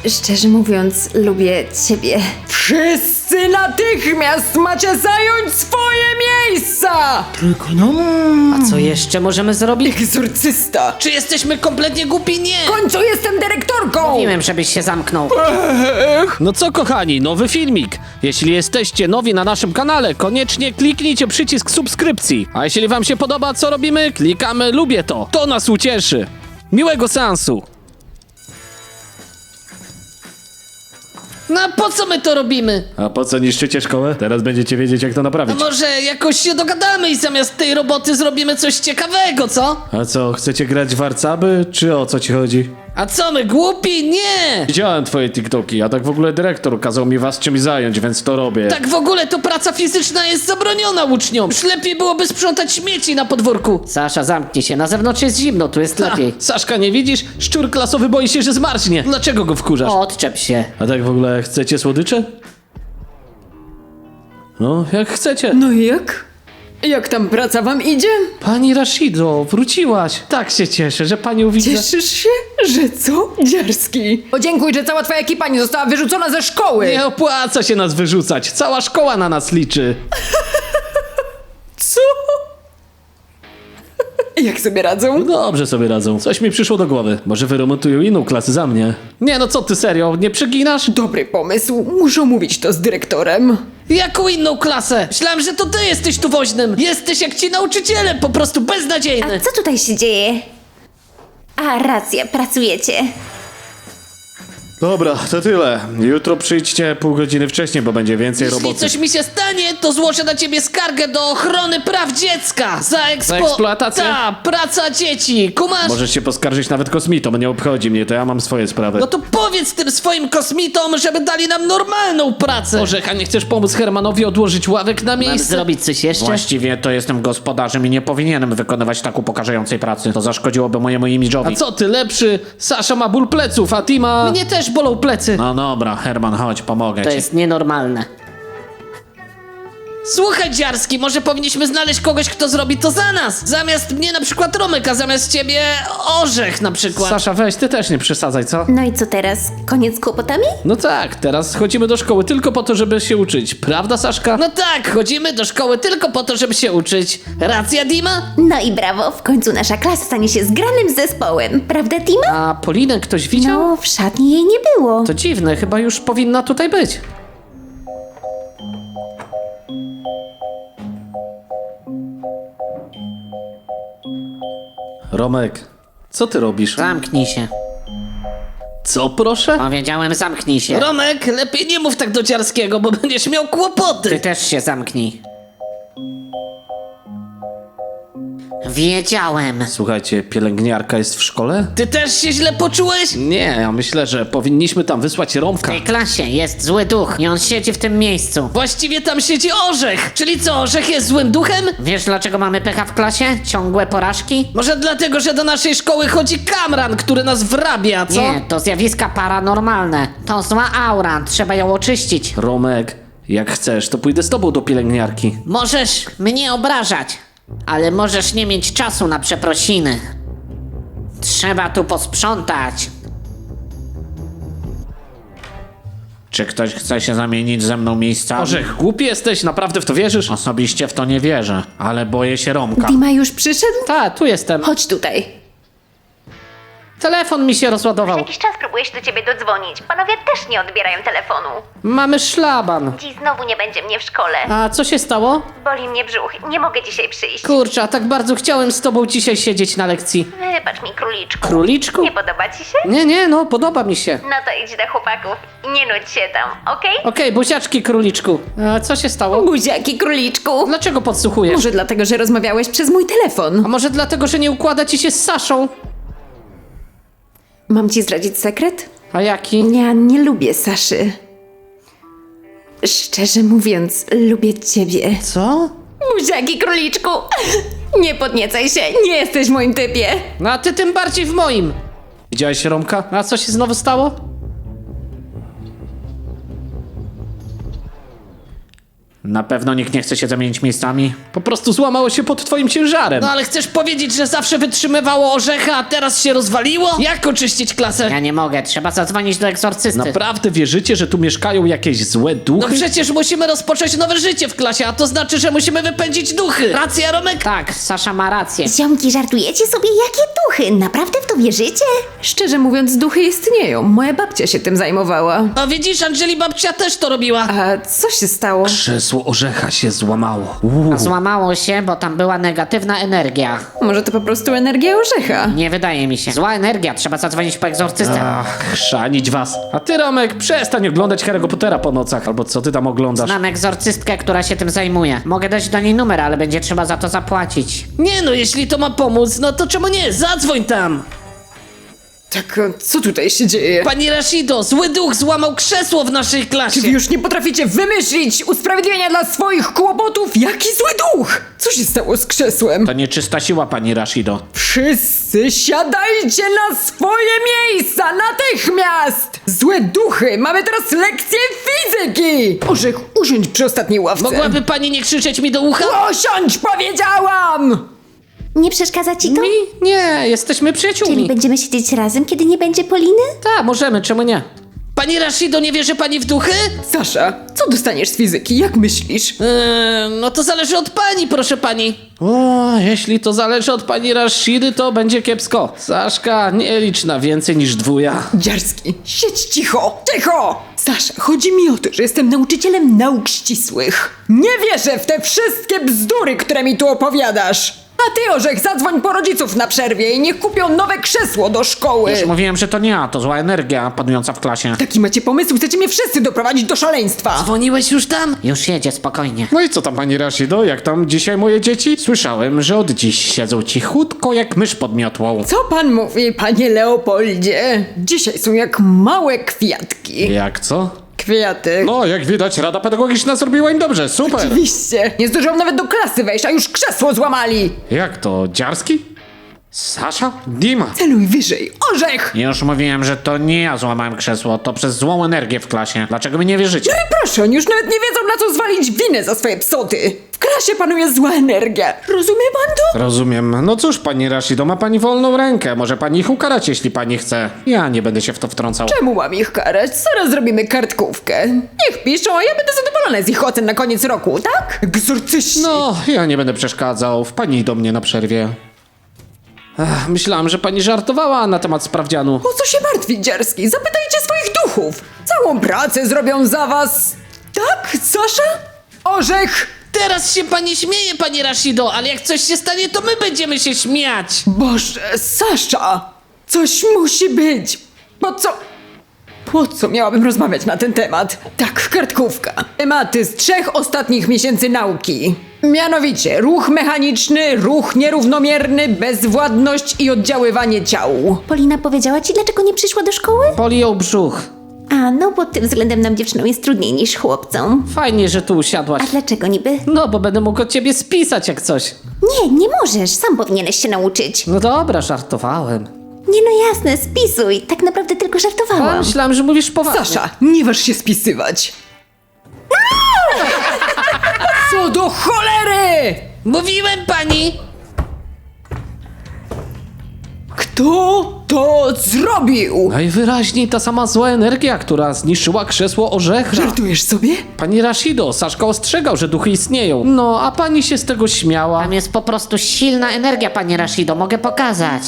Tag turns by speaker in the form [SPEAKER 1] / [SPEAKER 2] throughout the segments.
[SPEAKER 1] Szczerze mówiąc, lubię ciebie.
[SPEAKER 2] Wszyscy natychmiast macie zająć swoje miejsca!
[SPEAKER 3] A co jeszcze możemy zrobić?
[SPEAKER 2] Egzorcysta!
[SPEAKER 3] Czy jesteśmy kompletnie głupi? Nie!
[SPEAKER 2] W końcu jestem dyrektorką!
[SPEAKER 3] Mówiłem, żebyś się zamknął.
[SPEAKER 4] No co kochani, nowy filmik. Jeśli jesteście nowi na naszym kanale, koniecznie kliknijcie przycisk subskrypcji. A jeśli wam się podoba co robimy, klikamy lubię to. To nas ucieszy. Miłego seansu.
[SPEAKER 3] No a po co my to robimy?
[SPEAKER 4] A po co niszczycie szkołę? Teraz będziecie wiedzieć jak to
[SPEAKER 3] A
[SPEAKER 4] naprawić.
[SPEAKER 3] może jakoś się dogadamy i zamiast tej roboty zrobimy coś ciekawego, co?
[SPEAKER 4] A co, chcecie grać w warcaby, czy o co ci chodzi?
[SPEAKER 3] A co, my głupi? Nie!
[SPEAKER 4] Widziałem twoje TikToki, a tak w ogóle dyrektor kazał mi was czymś zająć, więc to robię.
[SPEAKER 3] Tak w ogóle to praca fizyczna jest zabroniona uczniom. Już lepiej byłoby sprzątać śmieci na podwórku. Sasza, zamknij się, na zewnątrz jest zimno, tu jest lepiej.
[SPEAKER 4] Saszka, nie widzisz? Szczur klasowy boi się, że zmarznie. Dlaczego go wkurzasz?
[SPEAKER 3] Odczep się.
[SPEAKER 4] A tak w ogóle chcecie słodycze? No, jak chcecie.
[SPEAKER 2] No i jak? Jak tam praca wam idzie?
[SPEAKER 4] Pani Rashido, wróciłaś. Tak się cieszę, że panią widzę.
[SPEAKER 2] Cieszysz się? Że co? Dziarski. Podziękuj, że cała twoja ekipa nie została wyrzucona ze szkoły!
[SPEAKER 4] Nie opłaca się nas wyrzucać. Cała szkoła na nas liczy.
[SPEAKER 2] Co? Jak sobie radzą?
[SPEAKER 4] Dobrze sobie radzą. Coś mi przyszło do głowy. Może wyremontują inną klasę za mnie. Nie no co ty, serio? Nie przeginasz?
[SPEAKER 2] Dobry pomysł. Muszę omówić to z dyrektorem.
[SPEAKER 3] Jaką inną klasę? Myślałem, że to ty jesteś tu woźnym. Jesteś jak ci nauczyciele, po prostu beznadziejny.
[SPEAKER 1] A co tutaj się dzieje? A, racja, pracujecie.
[SPEAKER 4] Dobra, to tyle. Jutro przyjdźcie pół godziny wcześniej, bo będzie więcej
[SPEAKER 3] Jeśli
[SPEAKER 4] roboty.
[SPEAKER 3] coś mi się stanie, to złożę na ciebie skargę do ochrony praw dziecka. Za
[SPEAKER 4] eksploatację?
[SPEAKER 3] Ta, praca dzieci. Kumasz?
[SPEAKER 4] Możesz się poskarżyć nawet kosmitom, nie obchodzi mnie, to ja mam swoje sprawy.
[SPEAKER 3] No to powiedz tym swoim kosmitom, żeby dali nam normalną pracę.
[SPEAKER 4] Orzech, a nie chcesz pomóc Hermanowi odłożyć ławek na
[SPEAKER 3] Mam
[SPEAKER 4] miejsce?
[SPEAKER 3] zrobić coś jeszcze?
[SPEAKER 5] Właściwie to jestem gospodarzem i nie powinienem wykonywać tak upokarzającej pracy. To zaszkodziłoby mojemu
[SPEAKER 4] A
[SPEAKER 5] imidżowi.
[SPEAKER 4] co ty lepszy? Sasza ma ból pleców, a ty ma...
[SPEAKER 3] Mnie też bolą plecy.
[SPEAKER 5] No dobra, Herman, chodź, pomogę
[SPEAKER 3] To
[SPEAKER 5] ci.
[SPEAKER 3] jest nienormalne. Słuchaj, Dziarski, może powinniśmy znaleźć kogoś, kto zrobi to za nas. Zamiast mnie na przykład Romek, a zamiast ciebie Orzech na przykład.
[SPEAKER 4] Sasza, weź, ty też nie przesadzaj, co?
[SPEAKER 1] No i co teraz? Koniec z kłopotami?
[SPEAKER 4] No tak, teraz chodzimy do szkoły tylko po to, żeby się uczyć. Prawda, Saszka?
[SPEAKER 3] No tak, chodzimy do szkoły tylko po to, żeby się uczyć. Racja, Dima?
[SPEAKER 1] No i brawo, w końcu nasza klasa stanie się zgranym zespołem. Prawda, Tima?
[SPEAKER 4] A Polinę ktoś widział?
[SPEAKER 1] No, w szatni jej nie było.
[SPEAKER 4] To dziwne, chyba już powinna tutaj być. Romek, co ty robisz?
[SPEAKER 3] Zamknij się.
[SPEAKER 4] Co, proszę?
[SPEAKER 3] Powiedziałem, zamknij się. Romek, lepiej nie mów tak do Dziarskiego, bo będziesz miał kłopoty. Ty też się zamknij. Wiedziałem.
[SPEAKER 4] Słuchajcie, pielęgniarka jest w szkole?
[SPEAKER 3] Ty też się źle poczułeś?
[SPEAKER 4] Nie, ja myślę, że powinniśmy tam wysłać Romka.
[SPEAKER 6] W tej klasie jest zły duch i on siedzi w tym miejscu.
[SPEAKER 3] Właściwie tam siedzi Orzech. Czyli co, Orzech jest złym duchem?
[SPEAKER 6] Wiesz dlaczego mamy pecha w klasie? Ciągłe porażki?
[SPEAKER 3] Może dlatego, że do naszej szkoły chodzi Kamran, który nas wrabia, co?
[SPEAKER 6] Nie, to zjawiska paranormalne. To zła aura, trzeba ją oczyścić.
[SPEAKER 4] Romek, jak chcesz, to pójdę z tobą do pielęgniarki.
[SPEAKER 6] Możesz mnie obrażać, ale możesz nie mieć czasu na przeprosiny. Trzeba tu posprzątać.
[SPEAKER 5] Czy ktoś chce się zamienić ze mną miejscami?
[SPEAKER 4] Orzech, głupi jesteś, naprawdę w to wierzysz?
[SPEAKER 5] Osobiście w to nie wierzę, ale boję się Romka.
[SPEAKER 1] Dima już przyszedł?
[SPEAKER 4] Ta, tu jestem.
[SPEAKER 1] Chodź tutaj.
[SPEAKER 4] Telefon mi się rozładował.
[SPEAKER 1] Jakiś czas próbuję się do ciebie dodzwonić. Panowie też nie odbierają telefonu.
[SPEAKER 4] Mamy szlaban.
[SPEAKER 1] Dziś znowu nie będzie mnie w szkole.
[SPEAKER 4] A co się stało?
[SPEAKER 1] Boli mnie brzuch. Nie mogę dzisiaj przyjść.
[SPEAKER 4] Kurczę, a tak bardzo chciałem z tobą dzisiaj siedzieć na lekcji.
[SPEAKER 1] Wybacz mi, króliczku.
[SPEAKER 4] Króliczku?
[SPEAKER 1] Nie podoba ci się?
[SPEAKER 4] Nie, no, podoba mi się.
[SPEAKER 1] No to idź do chłopaków i nie nudź się tam, okej?
[SPEAKER 4] Okej, buziaczki, króliczku. A co się stało?
[SPEAKER 1] Buziaki, króliczku.
[SPEAKER 4] Dlaczego podsłuchujesz?
[SPEAKER 2] Może dlatego, że rozmawiałeś przez mój telefon.
[SPEAKER 4] A może dlatego, że nie układa ci się z Saszą?
[SPEAKER 2] Mam ci zdradzić sekret?
[SPEAKER 4] A jaki?
[SPEAKER 2] Ja nie lubię Saszy. Szczerze mówiąc, lubię ciebie.
[SPEAKER 4] Co?
[SPEAKER 2] Buziaki, króliczku! Nie podniecaj się, nie jesteś w moim typie.
[SPEAKER 4] No a ty tym bardziej w moim. Widziałeś Romka? A co się znowu stało?
[SPEAKER 5] Na pewno nikt nie chce się zamienić miejscami?
[SPEAKER 4] Po prostu złamało się pod twoim ciężarem.
[SPEAKER 3] No ale chcesz powiedzieć, że zawsze wytrzymywało orzecha, a teraz się rozwaliło? Jak oczyścić klasę?
[SPEAKER 6] Ja nie mogę, trzeba zadzwonić do egzorcysty.
[SPEAKER 4] Naprawdę wierzycie, że tu mieszkają jakieś złe
[SPEAKER 3] No
[SPEAKER 4] duchy?
[SPEAKER 3] przecież musimy rozpocząć nowe życie w klasie, a to znaczy, że musimy wypędzić duchy. Racja, Romek?
[SPEAKER 6] Tak, Sasza ma rację.
[SPEAKER 1] Ziomki, żartujecie sobie? Jakie duchy? Naprawdę w to wierzycie?
[SPEAKER 2] Szczerze mówiąc, duchy istnieją. Moja babcia się tym zajmowała.
[SPEAKER 3] No widzisz, Angeli babcia też to robiła.
[SPEAKER 2] A co się stało?
[SPEAKER 4] Krzesło orzecha się złamało.
[SPEAKER 6] A złamało się, bo tam była negatywna energia.
[SPEAKER 2] Może to po prostu energia orzecha?
[SPEAKER 6] Nie wydaje mi się. Zła energia, trzeba zadzwonić po egzorcystę.
[SPEAKER 4] Ach, chrzanić was. A ty, Romek, przestań oglądać Harry'ego Pottera po nocach, albo co ty tam oglądasz?
[SPEAKER 6] Znam egzorcystkę, która się tym zajmuje. Mogę dać do niej numer, ale będzie trzeba za to zapłacić.
[SPEAKER 3] Nie no, jeśli to ma pomóc, no to czemu nie? Zadzwoń tam.
[SPEAKER 2] Tak, co tutaj się dzieje?
[SPEAKER 3] Pani Rashido, zły duch złamał krzesło w naszej klasie.
[SPEAKER 2] Czy wy już nie potraficie wymyślić usprawiedliwienia dla swoich kłopotów? Jaki zły duch! Co się stało z krzesłem?
[SPEAKER 5] To nieczysta siła, pani Rashido.
[SPEAKER 2] Wszyscy siadajcie na swoje miejsca natychmiast! Złe duchy! Mamy teraz lekcję fizyki! Orzech, usiądź przy ostatniej ławce.
[SPEAKER 3] Mogłaby pani nie krzyczeć mi do ucha?
[SPEAKER 2] Usiądź, powiedziałam!
[SPEAKER 1] Nie przeszkadza ci to?
[SPEAKER 4] Nie, jesteśmy
[SPEAKER 1] Czyli
[SPEAKER 4] przyjaciółmi.
[SPEAKER 1] będziemy siedzieć razem, kiedy nie będzie Poliny?
[SPEAKER 4] Tak, możemy, czemu nie?
[SPEAKER 3] Pani Rashido, nie wierzy pani w duchy?
[SPEAKER 2] Sasza, co dostaniesz z fizyki? Jak myślisz?
[SPEAKER 3] No to zależy od pani, proszę pani.
[SPEAKER 4] O, jeśli to zależy od pani Rashidy, to będzie kiepsko. Saszka, nie licz na więcej niż dwuja.
[SPEAKER 2] Dziarski, siedź cicho! Cicho! Sasza, chodzi mi o to, że jestem nauczycielem nauk ścisłych. Nie wierzę w te wszystkie bzdury, które mi tu opowiadasz! A ty, Orzech, zadzwoń po rodziców na przerwie i niech kupią nowe krzesło do szkoły!
[SPEAKER 5] Już mówiłem, że to nie ja, to zła energia panująca w klasie.
[SPEAKER 2] Taki macie pomysł, chcecie mnie wszyscy doprowadzić do szaleństwa!
[SPEAKER 3] Dzwoniłeś już tam?
[SPEAKER 6] Już jedzie, spokojnie.
[SPEAKER 4] No i co tam, pani Rashido? Jak tam dzisiaj moje dzieci?
[SPEAKER 5] Słyszałem, że od dziś siedzą cichutko jak mysz pod miotłą.
[SPEAKER 2] Co pan mówi, panie Leopoldzie? Dzisiaj są jak małe kwiatki.
[SPEAKER 4] Jak co?
[SPEAKER 2] Kwiaty.
[SPEAKER 4] No, jak widać, Rada Pedagogiczna zrobiła im dobrze, super!
[SPEAKER 2] Oczywiście. Nie zdążyłam nawet do klasy wejść, a już krzesło złamali.
[SPEAKER 4] Jak to, Dziarski? Sasza? Dima?
[SPEAKER 2] Celuj wyżej. Orzech!
[SPEAKER 5] Już mówiłem, że to nie ja złamałem krzesło, to przez złą energię w klasie. Dlaczego mi nie wierzycie?
[SPEAKER 2] No i proszę, oni już nawet nie wiedzą, na co zwalić winę za swoje psoty. W klasie panuje zła energia. Rozumie pan to?
[SPEAKER 4] Rozumiem. No cóż, pani Rashido, ma pani wolną rękę. Może pani ich ukarać, jeśli pani chce. Ja nie będę się w to wtrącał.
[SPEAKER 2] Czemu mam ich karać? Zaraz zrobimy kartkówkę. Niech piszą, a ja będę zadowolona z ich ocen na koniec roku, tak? Egzorcyści.
[SPEAKER 4] No, ja nie będę przeszkadzał. Wpadnij do mnie na przerwie. Ech, myślałam, że pani żartowała na temat sprawdzianu.
[SPEAKER 2] Po co się martwi, Dziarski? Zapytajcie swoich duchów. Całą pracę zrobią za was. Tak, Sasza? Orzech!
[SPEAKER 3] Teraz się pani śmieje, pani Rashido, ale jak coś się stanie, to my będziemy się śmiać.
[SPEAKER 2] Boże, Sasza! Coś musi być. Po co miałabym rozmawiać na ten temat? Tak, kartkówka. Tematy z 3 ostatnich miesięcy nauki. Mianowicie ruch mechaniczny, ruch nierównomierny, bezwładność i oddziaływanie ciał.
[SPEAKER 1] Polina powiedziała ci, dlaczego nie przyszła do szkoły?
[SPEAKER 4] Boli ją brzuch.
[SPEAKER 1] A, no pod tym względem nam dziewczynom jest trudniej niż chłopcom.
[SPEAKER 4] Fajnie, że tu usiadłaś.
[SPEAKER 1] A dlaczego niby?
[SPEAKER 4] No, bo będę mógł od ciebie spisać jak coś.
[SPEAKER 1] Nie możesz, sam powinieneś się nauczyć.
[SPEAKER 4] No dobra, żartowałem.
[SPEAKER 1] Nie no jasne, spisuj, tak naprawdę tylko
[SPEAKER 4] A
[SPEAKER 1] żartowałam.
[SPEAKER 4] myślałem, że mówisz poważnie.
[SPEAKER 2] Sasza, nie waż się spisywać. Co do cholery!
[SPEAKER 3] Mówiłem pani!
[SPEAKER 2] Kto to zrobił?
[SPEAKER 4] Najwyraźniej ta sama zła energia, która zniszczyła krzesło orzecha.
[SPEAKER 2] Żartujesz sobie?
[SPEAKER 4] Pani Rashido, Saszka ostrzegał, że duchy istnieją. No, a pani się z tego śmiała.
[SPEAKER 6] Tam jest po prostu silna energia, pani Rashido, mogę pokazać.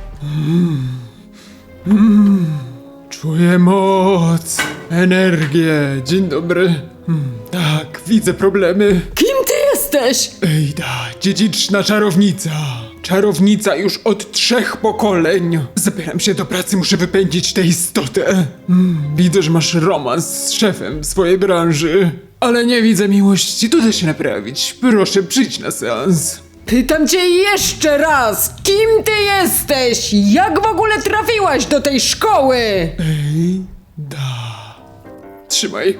[SPEAKER 7] Czuję moc, energię. Dzień dobry. Tak, widzę problemy.
[SPEAKER 2] Kim ty jesteś?
[SPEAKER 7] Ejda, dziedziczna czarownica. Czarownica już od 3 pokoleń. Zabieram się do pracy, muszę wypędzić tę istotę. Widzę, że masz romans z szefem swojej branży. Ale nie widzę miłości, to da się naprawić. Proszę, przyjdź na seans.
[SPEAKER 2] Pytam cię jeszcze raz, kim ty jesteś? Jak w ogóle trafiłaś do tej szkoły?
[SPEAKER 7] Trzymaj.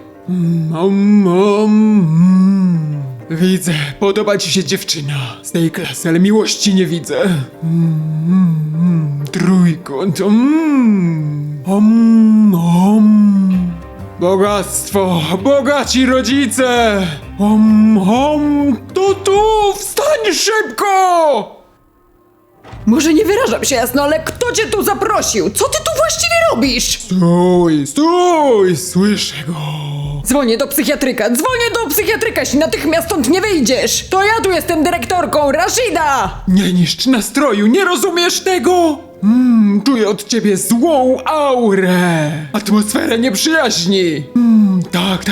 [SPEAKER 7] Widzę, podoba ci się dziewczyna z tej klasy, ale miłości nie widzę. Trójkąt. Bogactwo, bogaci rodzice. To tu! Wstań szybko!
[SPEAKER 2] Może nie wyrażam się jasno, ale kto cię tu zaprosił? Co ty tu właściwie robisz?
[SPEAKER 7] Stój! Słyszę go.
[SPEAKER 2] Dzwonię do psychiatryka, jeśli natychmiast stąd nie wyjdziesz! To ja tu jestem dyrektorką, Rashida!
[SPEAKER 7] Nie niszcz nastroju, nie rozumiesz tego? Czuję od ciebie złą aurę. Atmosferę nieprzyjaźni. Tak.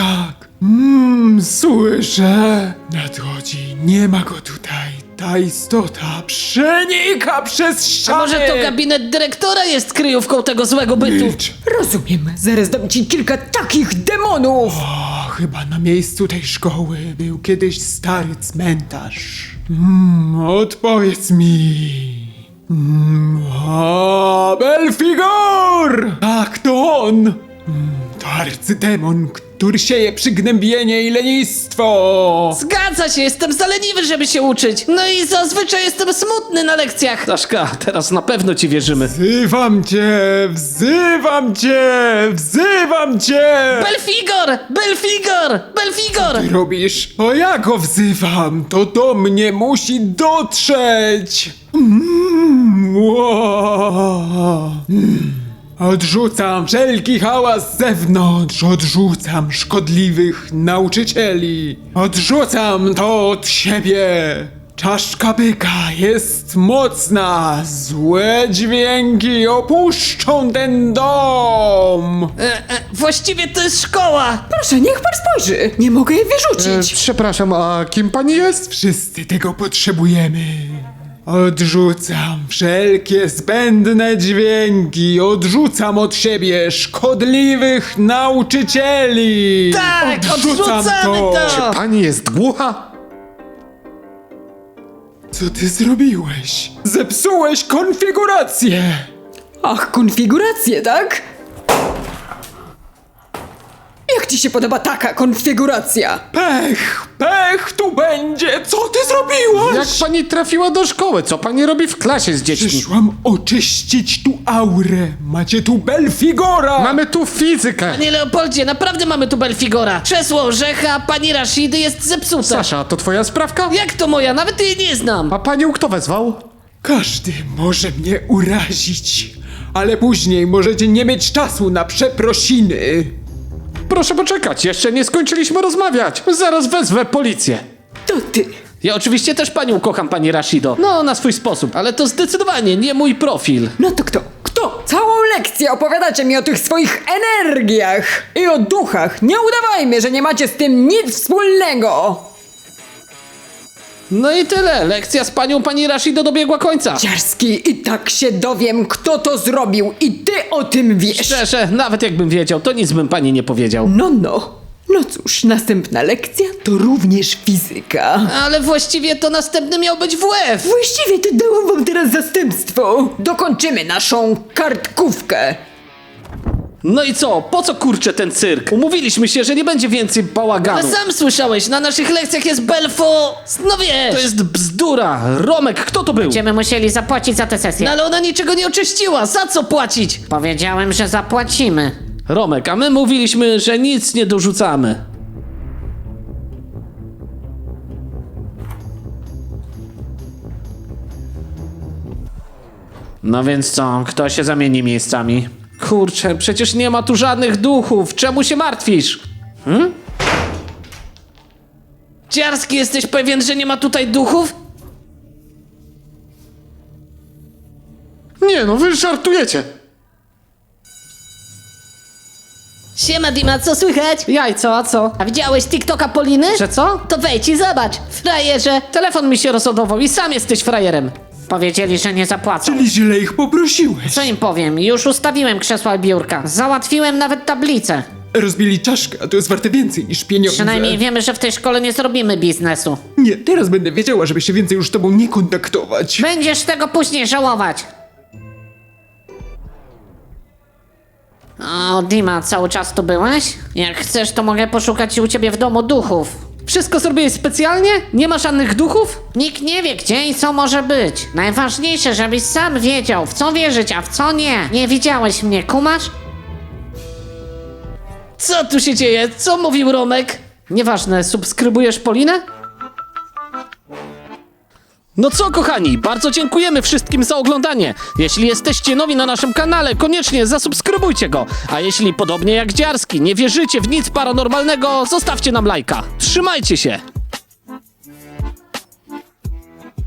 [SPEAKER 7] Słyszę. Nadchodzi, nie ma go tutaj. Ta istota przenika przez
[SPEAKER 3] A
[SPEAKER 7] ściany.
[SPEAKER 3] może to gabinet dyrektora jest kryjówką tego złego bytu?
[SPEAKER 7] Milcz.
[SPEAKER 2] Rozumiem, zaraz dam ci kilka takich demonów!
[SPEAKER 7] O, chyba na miejscu tej szkoły był kiedyś stary cmentarz. Odpowiedz mi. Belfigor! Tak, to on! To arcydemon, który sieje przygnębienie i lenistwo!
[SPEAKER 3] Zgadza się, jestem za leniwy, żeby się uczyć. No i zazwyczaj jestem smutny na lekcjach.
[SPEAKER 4] Staszka, teraz na pewno ci wierzymy.
[SPEAKER 7] Wzywam cię!
[SPEAKER 3] Belfigor!
[SPEAKER 7] Ty robisz? O ja go wzywam! To do mnie musi dotrzeć! Odrzucam wszelki hałas z zewnątrz, odrzucam szkodliwych nauczycieli, odrzucam to od siebie. Czaszka byka jest mocna, złe dźwięki opuszczą ten dom.
[SPEAKER 3] Właściwie to jest szkoła.
[SPEAKER 2] Proszę, niech pan spojrzy! Nie mogę jej wyrzucić!
[SPEAKER 8] Przepraszam, a kim pani jest?
[SPEAKER 7] Wszyscy tego potrzebujemy. Odrzucam wszelkie zbędne dźwięki, odrzucam od siebie szkodliwych nauczycieli.
[SPEAKER 3] Tak, odrzucamy to.
[SPEAKER 8] Pani jest głucha?
[SPEAKER 7] Co ty zrobiłeś? Zepsułeś konfigurację!
[SPEAKER 2] Ach, konfiguracje, tak? Jak ci się podoba taka konfiguracja?
[SPEAKER 7] Pech tu będzie! Co ty zrobiłaś?
[SPEAKER 8] Jak pani trafiła do szkoły? Co pani robi w klasie z dziećmi?
[SPEAKER 7] Przyszłam oczyścić tu aurę. Macie tu Belfigora!
[SPEAKER 8] Mamy tu fizykę!
[SPEAKER 3] Panie Leopoldzie, naprawdę mamy tu Belfigora. Krzesło orzecha pani Rashidy jest zepsute.
[SPEAKER 8] Sasza, to twoja sprawka?
[SPEAKER 3] Jak to moja? Nawet jej nie znam.
[SPEAKER 8] A panią kto wezwał?
[SPEAKER 7] Każdy może mnie urazić, ale później możecie nie mieć czasu na przeprosiny.
[SPEAKER 8] Proszę poczekać, jeszcze nie skończyliśmy rozmawiać. Zaraz wezwę policję.
[SPEAKER 2] To ty!
[SPEAKER 4] Ja oczywiście też panią kocham, pani Rashido. No, na swój sposób, ale to zdecydowanie nie mój profil.
[SPEAKER 2] No to kto? Kto? Całą lekcję opowiadacie mi o tych swoich energiach i o duchach. Nie udawajmy, że nie macie z tym nic wspólnego.
[SPEAKER 4] No i tyle. Lekcja z panią pani Rashido dobiegła końca.
[SPEAKER 2] Ciarski, i tak się dowiem, kto to zrobił i ty o tym wiesz.
[SPEAKER 4] Szczerze, nawet jakbym wiedział, to nic bym pani nie powiedział.
[SPEAKER 2] No cóż, następna lekcja to również fizyka.
[SPEAKER 3] Ale właściwie to następny miał być WF.
[SPEAKER 2] Właściwie to dałam wam teraz zastępstwo. Dokończymy naszą kartkówkę.
[SPEAKER 4] No i co? Po co kurczę ten cyrk? Umówiliśmy się, że nie będzie więcej
[SPEAKER 3] Ale
[SPEAKER 4] bałaganu.
[SPEAKER 3] sam słyszałeś, na naszych lekcjach jest Belfo... No wiesz.
[SPEAKER 4] To jest bzdura. Romek, kto to był?
[SPEAKER 6] Będziemy musieli zapłacić za tę
[SPEAKER 3] No
[SPEAKER 6] sesję.
[SPEAKER 3] ale ona niczego nie oczyściła, za co płacić?
[SPEAKER 6] Powiedziałem, że zapłacimy.
[SPEAKER 4] Romek, a my mówiliśmy, że nic nie dorzucamy.
[SPEAKER 5] No więc co, kto się zamieni miejscami?
[SPEAKER 4] Kurczę, przecież nie ma tu żadnych duchów. Czemu się martwisz?
[SPEAKER 3] Ciarski, jesteś pewien, że nie ma tutaj duchów?
[SPEAKER 8] Nie no, wy żartujecie.
[SPEAKER 3] Siema Dima, co słychać?
[SPEAKER 6] Jajco, a co?
[SPEAKER 3] A widziałeś TikToka Poliny?
[SPEAKER 6] Że co?
[SPEAKER 3] To wejdź i zobacz, frajerze.
[SPEAKER 6] Telefon mi się rozładował i sam jesteś frajerem. Powiedzieli, że nie zapłacą.
[SPEAKER 7] Czyli źle ich poprosiłeś.
[SPEAKER 6] Co im powiem? Już ustawiłem krzesła i biurka. Załatwiłem nawet tablicę.
[SPEAKER 7] Rozbili czaszkę, a to jest warte więcej niż pieniądze.
[SPEAKER 6] Przynajmniej wiemy, że w tej szkole nie zrobimy biznesu.
[SPEAKER 7] Nie, teraz będę wiedziała, żeby się więcej już z tobą nie kontaktować.
[SPEAKER 6] Będziesz tego później żałować. O, Dima, cały czas tu byłeś? Jak chcesz, to mogę poszukać u ciebie w domu duchów.
[SPEAKER 4] Wszystko zrobiłeś specjalnie? Nie ma żadnych duchów?
[SPEAKER 6] Nikt nie wie, gdzie i co może być. Najważniejsze, żebyś sam wiedział, w co wierzyć, a w co nie. Nie widziałeś mnie, kumasz?
[SPEAKER 3] Co tu się dzieje? Co mówił Romek? Nieważne, subskrybujesz Polinę?
[SPEAKER 4] No co, kochani, bardzo dziękujemy wszystkim za oglądanie. Jeśli jesteście nowi na naszym kanale, koniecznie zasubskrybujcie go. A jeśli podobnie jak Dziarski nie wierzycie w nic paranormalnego, zostawcie nam lajka. Trzymajcie się!